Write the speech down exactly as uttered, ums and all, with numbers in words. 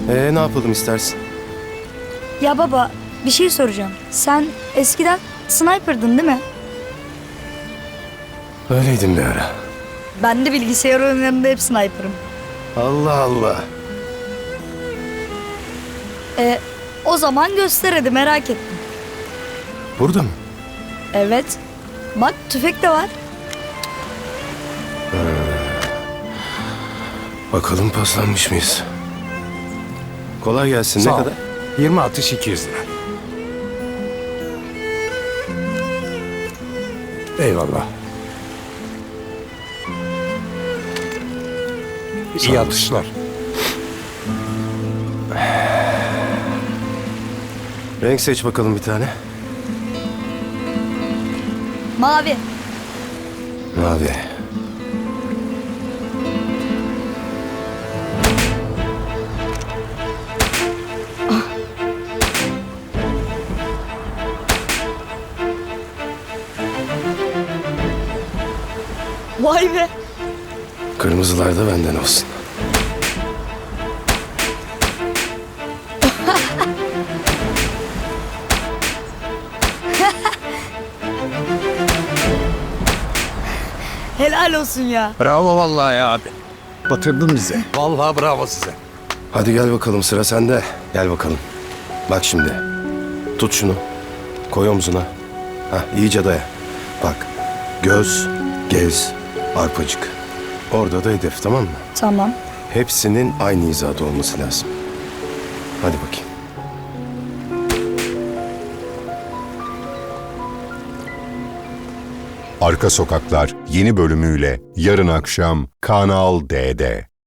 Ee, ne yapalım istersin? Ya baba, bir şey soracağım. Sen eskiden sniper'dın değil mi? Öyleydim bir ara. Ben de bilgisayar oyunlarında hep sniper'ım. Allah Allah. E, o zaman göster hadi, merak ettim. Burada mı? Evet. Bak, tüfek de var. Bakalım paslanmış mıyız? Kolay gelsin. Sağ Ne ol. kadar? yirmi atış iki yüz lira. Eyvallah. Sağ İyi ol. atışlar. Renk seç bakalım bir tane. Mavi. Mavi. Vay be. Kırmızılar da benden olsun. Helal olsun ya. Bravo vallahi ya abi. Batırdın bizi. Vallahi bravo size. Hadi gel bakalım, sıra sende. Gel bakalım. Bak şimdi. Tut şunu. Koy omzuna. Hah, iyice daya. Bak. Göz, gez, arpacık. Orada da hedef, tamam mı? Tamam. Hepsinin aynı hizada olması lazım. Hadi bakayım. Arka Sokaklar yeni bölümüyle yarın akşam Kanal D'de.